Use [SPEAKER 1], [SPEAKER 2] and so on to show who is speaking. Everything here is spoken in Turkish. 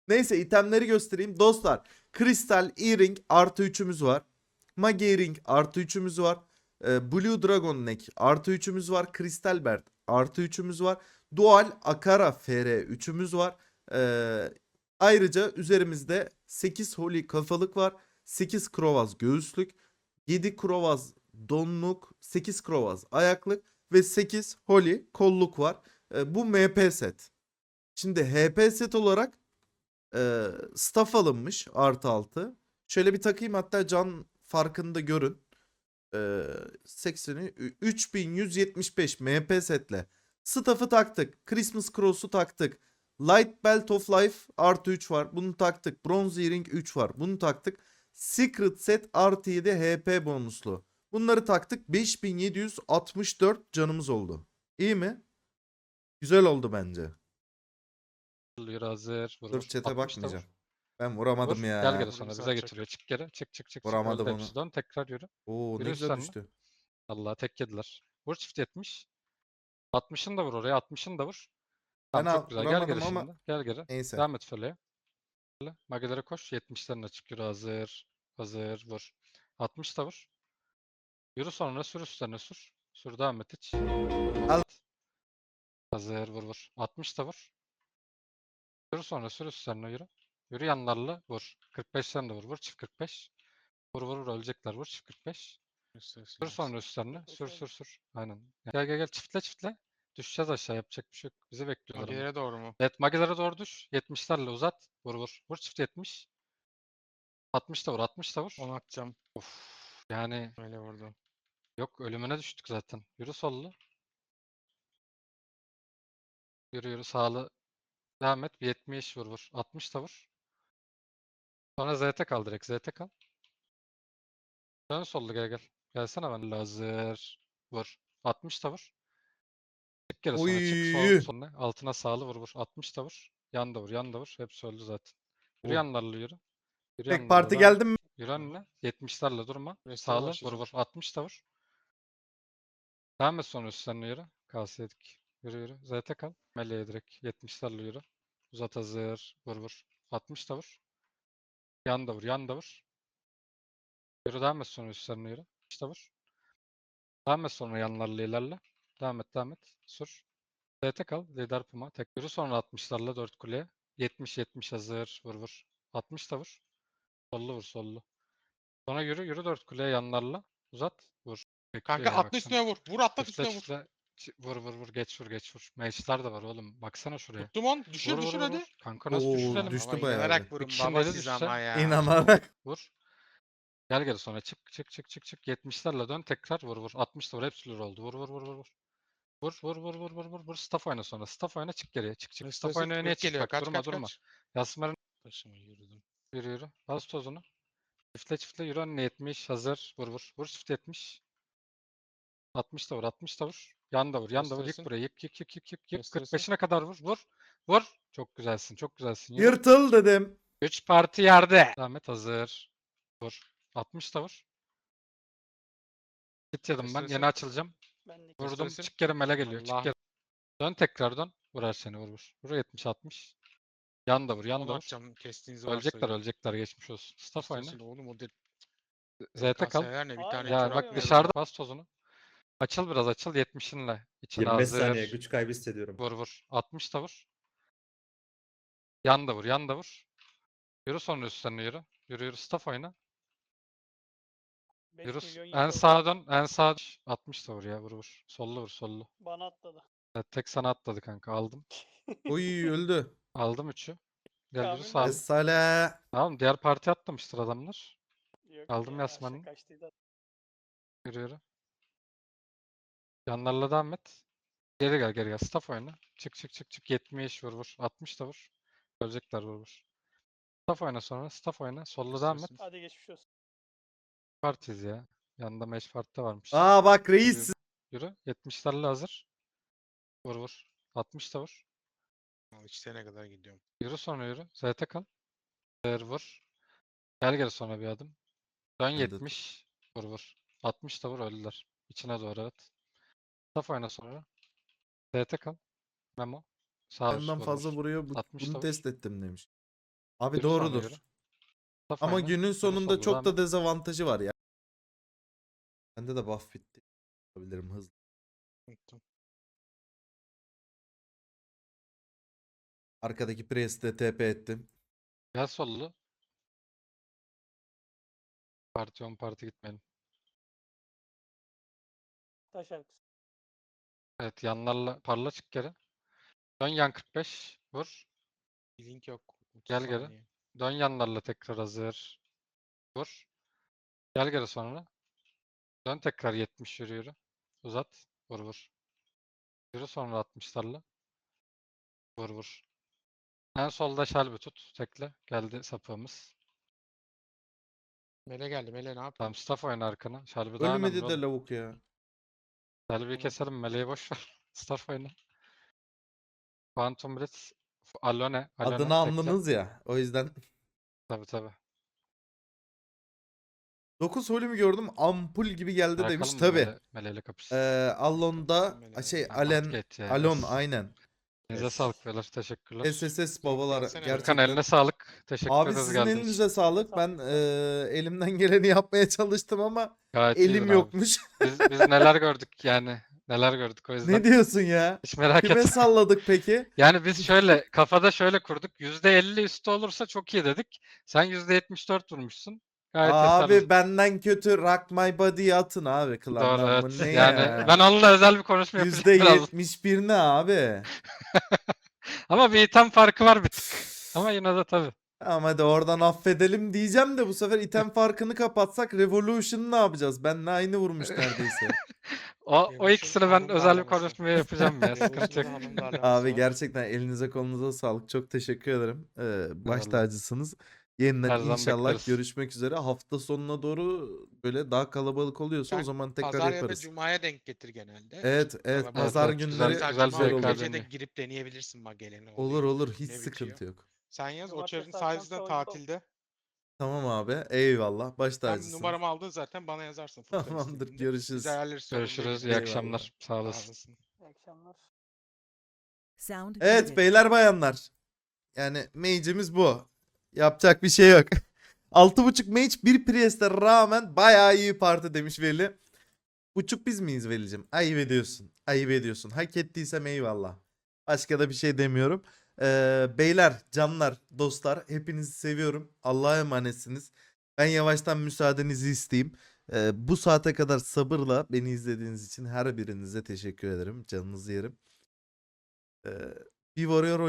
[SPEAKER 1] Neyse itemleri göstereyim. Dostlar Kristal Earring artı 3'ümüz var. Mage Earring artı 3'ümüz var. Blue Dragon Neck artı 3'ümüz var. Kristal Bert artı 3'ümüz var. Dual Akara FR 3'ümüz var. Ayrıca üzerimizde 8 Holy kafalık var. 8 Krovaz göğüslük. 7 Krovaz donluk. 8 Krovaz ayaklık. Ve 8 Holy kolluk var. Bu MP set. Şimdi HP set olarak staff alınmış artı 6. Şöyle bir takayım hatta can farkını da görün. 80'i 3175 MP setle. Staff'ı taktık. Christmas Cross'u taktık. Light Belt of Life artı 3 var. Bunu taktık. Bronze Earring 3 var. Bunu taktık. Secret Set artı 7 HP bonuslu. Bunları taktık. 5764 canımız oldu. İyi mi? Güzel oldu bence.
[SPEAKER 2] Yürü hazır. Vur
[SPEAKER 1] Dur
[SPEAKER 2] vur.
[SPEAKER 1] chat'e
[SPEAKER 2] 60 da
[SPEAKER 1] bakmayacağım.
[SPEAKER 2] vur.
[SPEAKER 1] Ben vuramadım
[SPEAKER 2] Vur. Gel
[SPEAKER 1] ya.
[SPEAKER 2] geri sonra
[SPEAKER 3] Vurursa
[SPEAKER 2] bize
[SPEAKER 3] atacak.
[SPEAKER 2] getiriyor. Çık geri. Çık çık çık çık.
[SPEAKER 1] Vuramadım
[SPEAKER 2] Öldü
[SPEAKER 1] onu.
[SPEAKER 2] hepsi. Dön tekrar yürü.
[SPEAKER 1] Oo ne
[SPEAKER 2] Yürü
[SPEAKER 1] güzel
[SPEAKER 2] üstlerine.
[SPEAKER 1] düştü.
[SPEAKER 2] Allah tek yediler. Vur çift 70. 60'ını da vur oraya. 60'ını da vur.
[SPEAKER 1] Ben
[SPEAKER 2] Tamam çok güzel. Gel geri
[SPEAKER 1] vuramadım ama
[SPEAKER 2] şimdi. Gel geri.
[SPEAKER 1] neyse.
[SPEAKER 2] Devam et Fölye'ye. Magelere koş. 70'lerine çık. Yürü hazır. Hazır. Vur. 60 da vur. Yürü sonra sür üstlerine sür. Sür devam et hiç.
[SPEAKER 1] Al.
[SPEAKER 2] Hazır. Vur vur. 60 da vur. Yürü sonra sür üstlerine yürü. Yürü yanlarla vur. 45'ten de vur. Vur çift 45. Vur vur vur ölecekler. Vur çift 45. Sür sonra üstlerine. Sür sür sür. Aynen. Gel gel gel çiftle çiftle. Düşeceğiz aşağı yapacak bir şey yok. Bizi bekliyorlar ama.
[SPEAKER 3] Magilere doğru mu?
[SPEAKER 2] Evet Magilere doğru düş. 70'lerle uzat. Vur vur. Vur çift 70. 60 da vur. 60 da vur.
[SPEAKER 3] Onu atacağım.
[SPEAKER 2] Of. Yani
[SPEAKER 3] Öyle vurdu.
[SPEAKER 2] yok ölümüne düştük zaten. Yürü sollu. Yürü yürü sağlı. Devam et. Bir 70 vur vur. 60 da vur. Sonra ZT kal direkt. ZT kal. Dön sollu gel gel. Gelsene ben hazır. Vur. 60 da vur. Çık geri sonra çık sol
[SPEAKER 1] Oy.
[SPEAKER 2] sonuna. Altına sağlı vur vur. 60 da vur. Yan da vur yan da vur. Hepsi öldü zaten. Yürü
[SPEAKER 1] Oh.
[SPEAKER 2] yanlarla yürü. Yürü
[SPEAKER 1] Tek
[SPEAKER 2] yanlarla
[SPEAKER 1] parti
[SPEAKER 2] devam et.
[SPEAKER 1] geldim mi?
[SPEAKER 2] Yürü önüne. 70'lerle durma.
[SPEAKER 3] Restore
[SPEAKER 2] Sağlı vur
[SPEAKER 3] başlayacağım.
[SPEAKER 2] vur. 60 da vur. Devam et sonra üstlerine yürü. Kalsiyedik. Yürü yürü. ZT kal. Meleğe direkt. 70'lerle yürü. Uzat hazır. Vur vur. 60 da vur. Yan da vur. Yan da vur. Yürü devam et sonra üstlerine yürü. İşte vur. Devam et sonra yanlarla ilerle. Devam et devam et. Sür. DT kal. Lider Puma. Tek yürü sonra 60'larla 4 kuleye. 70-70 hazır. Vur vur. 60 da vur. Sollu vur sollu. Sonra yürü yürü 4 kuleye yanlarla. Uzat. Vur.
[SPEAKER 3] Kanka
[SPEAKER 2] Bekliyor ya
[SPEAKER 3] atla
[SPEAKER 2] baksana.
[SPEAKER 3] üstüne vur. Vur atla
[SPEAKER 2] Çiftle
[SPEAKER 3] üstüne vur.
[SPEAKER 2] çiftle. Vur vur vur. Geç vur geç vur. Mage'lar da var oğlum. Baksana şuraya.
[SPEAKER 3] Tuttum on.
[SPEAKER 2] Vur
[SPEAKER 3] Düşür
[SPEAKER 2] vur
[SPEAKER 3] düşür
[SPEAKER 2] vur
[SPEAKER 3] hadi.
[SPEAKER 2] vur. Kanka nasıl
[SPEAKER 1] Oo
[SPEAKER 2] düşürelim?
[SPEAKER 1] düştü
[SPEAKER 3] Baba
[SPEAKER 1] bayağı bir.
[SPEAKER 3] inanarak
[SPEAKER 2] Bir
[SPEAKER 3] vurun
[SPEAKER 2] kişinin
[SPEAKER 3] baba
[SPEAKER 2] eli
[SPEAKER 3] siz
[SPEAKER 2] düşse.
[SPEAKER 3] ama ya.
[SPEAKER 1] İnanarak.
[SPEAKER 2] Vur. Gel geri sonra çık çık çık çık çık. 70'lerle dön tekrar vur vur. 60 da vur. Hepsi lür oldu. Vur vur vur vur vur. Vur vur vur vur vur vur vur. Staff oyna sonra. Staff oyna çık geriye. Çık çık. Staff
[SPEAKER 3] Restore
[SPEAKER 2] oyna öne
[SPEAKER 3] kürek
[SPEAKER 2] çık.
[SPEAKER 3] geliyor.
[SPEAKER 2] Bak
[SPEAKER 3] Kaç
[SPEAKER 2] durma
[SPEAKER 3] kaç
[SPEAKER 2] durma.
[SPEAKER 3] kaç.
[SPEAKER 2] Yasmer'in
[SPEAKER 3] Başıma yürüdüm.
[SPEAKER 2] yürü yürü. Bas tozunu. Çiftle çiftle yürü önüne 70. Hazır. Vur vur. Vur çift 70. 60 da vur. 60 da vur. Yan da vur. Yan da vur. Yık
[SPEAKER 3] Restore'sin.
[SPEAKER 2] buraya. Yık yık yık yık yık. Yık.
[SPEAKER 3] Restore'sin.
[SPEAKER 2] 45'ine kadar vur. Vur. Vur. Çok güzelsin. Çok güzelsin. Yürü.
[SPEAKER 1] Yırtıl dedim.
[SPEAKER 2] 3 parti yerde. Ahmet hazır. Vur. 60 da vur. Git yedim ben.
[SPEAKER 3] Restore'sin.
[SPEAKER 2] Yeni açılacağım.
[SPEAKER 4] Ben
[SPEAKER 2] Vurdum.
[SPEAKER 3] Restore'sin.
[SPEAKER 2] Çık geri mele geliyor. Çık
[SPEAKER 3] Allah.
[SPEAKER 2] geri. Dön tekrar dön. Vur seni vur vur. Vur 70 60. Yan da vur. Yan da
[SPEAKER 3] Onu
[SPEAKER 2] vur.
[SPEAKER 3] atacağım. Kestiğiniz
[SPEAKER 2] Ölecekler
[SPEAKER 3] varsa.
[SPEAKER 2] ölecekler. Geçmiş olsun. Staff oyna.
[SPEAKER 3] Restore'sin oğlum o değil.
[SPEAKER 2] ZT kal.
[SPEAKER 3] KS'ler ne? Bir
[SPEAKER 4] Aa,
[SPEAKER 3] tane
[SPEAKER 4] ya
[SPEAKER 2] Ya
[SPEAKER 3] çorap
[SPEAKER 2] bak
[SPEAKER 4] yok.
[SPEAKER 3] ver
[SPEAKER 2] dışarıda
[SPEAKER 3] bana.
[SPEAKER 2] bas tozunu. Açıl biraz açıl 70'inle. İçine
[SPEAKER 5] 25 saniye
[SPEAKER 2] hazır.
[SPEAKER 5] güç kaybı hissediyorum.
[SPEAKER 2] Vur vur. 60 da vur. Yan da vur. Yan da vur. Yürü sonra üstlerine yürü. Yürü yürü. Staff oyna.
[SPEAKER 4] 5
[SPEAKER 2] Yürü.
[SPEAKER 4] milyon
[SPEAKER 2] En
[SPEAKER 4] yıkıldı.
[SPEAKER 2] sağa dön. En sağa 60 da vur ya. Vur vur. Sollu vur sollu.
[SPEAKER 4] Bana atladı.
[SPEAKER 2] Evet, tek sana atladı kanka. Aldım.
[SPEAKER 1] Oy öldü.
[SPEAKER 2] Aldım 3'ü. Gel yürü
[SPEAKER 4] Kamil
[SPEAKER 2] sağ.
[SPEAKER 1] Esale.
[SPEAKER 2] Tamam diğer parti atlamıştır adamlar.
[SPEAKER 4] Yok
[SPEAKER 2] Aldım
[SPEAKER 4] ya,
[SPEAKER 2] Yasman'ı.
[SPEAKER 4] aşağı kaçtıydı.
[SPEAKER 2] Yürü yürü. Yanlarla devam et. Geri gel geri gel. Staff oyna. Çık çık çık çık. 70 vur vur. 60 da vur. Ölecekler vur vur. Staff oyna sonra. Staff oyna. Sollu devam et.
[SPEAKER 3] Restore'sin.
[SPEAKER 4] Hadi geçmiş olsun.
[SPEAKER 2] Partiz ya. Yanında match parti de varmış.
[SPEAKER 1] Aa bak
[SPEAKER 2] Yürü,
[SPEAKER 1] reis.
[SPEAKER 2] yürü. 70'lerle hazır. Vur vur. 60 da vur.
[SPEAKER 3] İçlerine kadar gidiyorum.
[SPEAKER 2] Yürü sonra yürü. ZT kal. Vur. Gel geri sonra bir adım. Dön
[SPEAKER 1] Ben de-
[SPEAKER 2] 70. Vur vur. 60 da vur öldüler. İçine doğru evet. Staff oyna sonra. ZT kal. Memo. Sağ üst
[SPEAKER 1] Benden
[SPEAKER 2] vur
[SPEAKER 1] fazla
[SPEAKER 2] vur.
[SPEAKER 1] vuruyor.
[SPEAKER 2] 60
[SPEAKER 1] Bunu
[SPEAKER 2] da vur.
[SPEAKER 1] test ettim demiş. Abi
[SPEAKER 2] Yürü sonra
[SPEAKER 1] doğrudur.
[SPEAKER 2] yürü. Mustafa
[SPEAKER 1] Ama
[SPEAKER 2] oyna.
[SPEAKER 1] günün
[SPEAKER 2] Yürü
[SPEAKER 1] sonunda
[SPEAKER 2] sollu,
[SPEAKER 1] çok
[SPEAKER 2] devam
[SPEAKER 1] da
[SPEAKER 2] et.
[SPEAKER 1] dezavantajı var ya. Bende de buff bitti. Yapabilirim hızlı.
[SPEAKER 3] Unuttum.
[SPEAKER 1] Arkadaki Priest'e TP ettim.
[SPEAKER 2] Gel sollu. Parti on parti gitmeyelim.
[SPEAKER 4] Taş arkası.
[SPEAKER 2] Evet yanlarla parla çık geri. Dön yan 45. Vur.
[SPEAKER 3] Bir link yok. 30
[SPEAKER 2] Gel geri.
[SPEAKER 3] saniye.
[SPEAKER 2] Dön yanlarla tekrar hazır. Vur. Gel geri sonra. Dön tekrar 70 yürü yürü. Uzat. Vur vur. Yürü sonra 60'larla. Vur vur. En solda şalbi tut. Tekle. Geldi sapığımız.
[SPEAKER 3] Mele geldi. Mele ne
[SPEAKER 2] Tamam
[SPEAKER 3] yapıyorsun?
[SPEAKER 2] staff oyna arkana. Şalbi daha önemli
[SPEAKER 1] Ölmedi de
[SPEAKER 2] oğlum.
[SPEAKER 1] lavuk ya.
[SPEAKER 2] Şalbi'yi
[SPEAKER 3] Tamam.
[SPEAKER 2] keselim. Meleği boş ver. Staff oyna. Quantum Blitz. Alone. Alone.
[SPEAKER 1] Adını
[SPEAKER 2] Tekle.
[SPEAKER 1] andınız ya. O yüzden.
[SPEAKER 2] Tabii tabii.
[SPEAKER 1] 9 holümü gördüm. Ampul gibi geldi demiş.
[SPEAKER 2] Bırakalım mı
[SPEAKER 1] Tabi.
[SPEAKER 2] Meleğiyle kapışsın.
[SPEAKER 1] Allon'da
[SPEAKER 3] Mele
[SPEAKER 1] şey
[SPEAKER 3] geldi.
[SPEAKER 1] Alen
[SPEAKER 2] Outgate ya.
[SPEAKER 1] Alon aynen.
[SPEAKER 2] Elinize sağlık beyler. Teşekkürler.
[SPEAKER 1] SSS babalar
[SPEAKER 3] Gelsene
[SPEAKER 2] Furkan
[SPEAKER 1] gerçekten.
[SPEAKER 2] eline sağlık. Teşekkür
[SPEAKER 1] Abi
[SPEAKER 2] ederiz
[SPEAKER 1] sizin
[SPEAKER 2] geldiğiniz için.
[SPEAKER 1] elinize sağlık. Ben elimden geleni yapmaya çalıştım ama
[SPEAKER 2] Gayet iyiydin
[SPEAKER 1] elim
[SPEAKER 2] abi.
[SPEAKER 1] yokmuş.
[SPEAKER 2] Biz neler gördük yani. Neler gördük o yüzden.
[SPEAKER 1] Ne diyorsun ya?
[SPEAKER 2] Hiç merak
[SPEAKER 1] Kime
[SPEAKER 2] etme.
[SPEAKER 1] salladık peki?
[SPEAKER 2] Yani biz şöyle kafada şöyle kurduk. %50 üstü olursa çok iyi dedik. Sen %74 vurmuşsun. Gayet
[SPEAKER 1] Abi
[SPEAKER 2] yeterli.
[SPEAKER 1] benden kötü Rock My Body'yi atın abi
[SPEAKER 2] Doğru
[SPEAKER 1] klandan.
[SPEAKER 2] evet.
[SPEAKER 1] Bu ne
[SPEAKER 2] Yani
[SPEAKER 1] ya?
[SPEAKER 2] ben onunla özel bir konuşma yapacağım biraz.
[SPEAKER 1] %71 ne abi?
[SPEAKER 2] Ama bir item farkı var bir tık. Ama yine de tabii.
[SPEAKER 1] Ama hadi oradan affedelim diyeceğim de bu sefer item farkını kapatsak Revolution'ı ne yapacağız? Benle aynı vurmuş neredeyse.
[SPEAKER 2] O
[SPEAKER 3] Revolution
[SPEAKER 2] ikisini ben
[SPEAKER 3] hanım
[SPEAKER 2] özel bir
[SPEAKER 3] darlaması.
[SPEAKER 2] konuşma yapacağım ya. Sıkıntı yok.
[SPEAKER 3] Revolution'da hanım darlaması
[SPEAKER 1] Abi
[SPEAKER 3] var.
[SPEAKER 1] gerçekten elinize kolunuza sağlık. Çok teşekkür ederim. Baş
[SPEAKER 2] Eyvallah.
[SPEAKER 1] tacısınız. Yeniden
[SPEAKER 2] Her zaman
[SPEAKER 1] inşallah
[SPEAKER 2] bekleriz.
[SPEAKER 1] görüşmek üzere. Hafta sonuna doğru böyle daha kalabalık oluyorsa o
[SPEAKER 3] Sen
[SPEAKER 1] zaman tekrar
[SPEAKER 3] Pazar ya da
[SPEAKER 1] yaparız.
[SPEAKER 3] Cuma'ya denk getir genelde.
[SPEAKER 1] Evet, evet.
[SPEAKER 3] Kalabalık
[SPEAKER 1] Pazar
[SPEAKER 2] evet.
[SPEAKER 1] günleri
[SPEAKER 2] Güzel
[SPEAKER 3] Mesela
[SPEAKER 2] bir
[SPEAKER 3] Cuma
[SPEAKER 1] güzel olur.
[SPEAKER 3] gece de
[SPEAKER 2] deniyor.
[SPEAKER 3] girip deneyebilirsin Magellan'i.
[SPEAKER 1] Olur olur. Hiç
[SPEAKER 3] Ne bitiyor?
[SPEAKER 1] sıkıntı yok.
[SPEAKER 3] Sen yaz. O
[SPEAKER 4] Cumartesi
[SPEAKER 3] çarın
[SPEAKER 4] akşam
[SPEAKER 3] sayesinde
[SPEAKER 4] savunma
[SPEAKER 3] tatilde.
[SPEAKER 1] Tamam abi. Eyvallah. Baş
[SPEAKER 3] Sen
[SPEAKER 1] tacısın.
[SPEAKER 3] numaramı aldın zaten bana yazarsın. Furkan
[SPEAKER 1] Tamamdır.
[SPEAKER 3] istediğinde.
[SPEAKER 1] Görüşürüz.
[SPEAKER 3] Biz ayarlarız. sorun değil
[SPEAKER 2] Görüşürüz.
[SPEAKER 3] yani.
[SPEAKER 2] İyi
[SPEAKER 1] Eyvallah.
[SPEAKER 2] akşamlar. Sağ
[SPEAKER 3] Sağ
[SPEAKER 2] olasın.
[SPEAKER 3] olasın.
[SPEAKER 4] İyi akşamlar.
[SPEAKER 5] Sound
[SPEAKER 1] Evet
[SPEAKER 5] muted.
[SPEAKER 1] beyler bayanlar. Yani mage'imiz bu. Yapacak bir şey yok. 6.5 mage bir Priest'e rağmen bayağı iyi parti demiş Veli. Buçuk biz miyiz Veli'cim? Ayıp ediyorsun. Ayıp ediyorsun. Hak ettiysem eyvallah. Başka da bir şey demiyorum. Beyler, canlar, dostlar hepinizi seviyorum. Allah'a emanetsiniz. Ben yavaştan müsaadenizi isteyeyim. Bu saate kadar sabırla beni izlediğiniz için her birinize teşekkür ederim. Canınızı yerim. Bir Warrior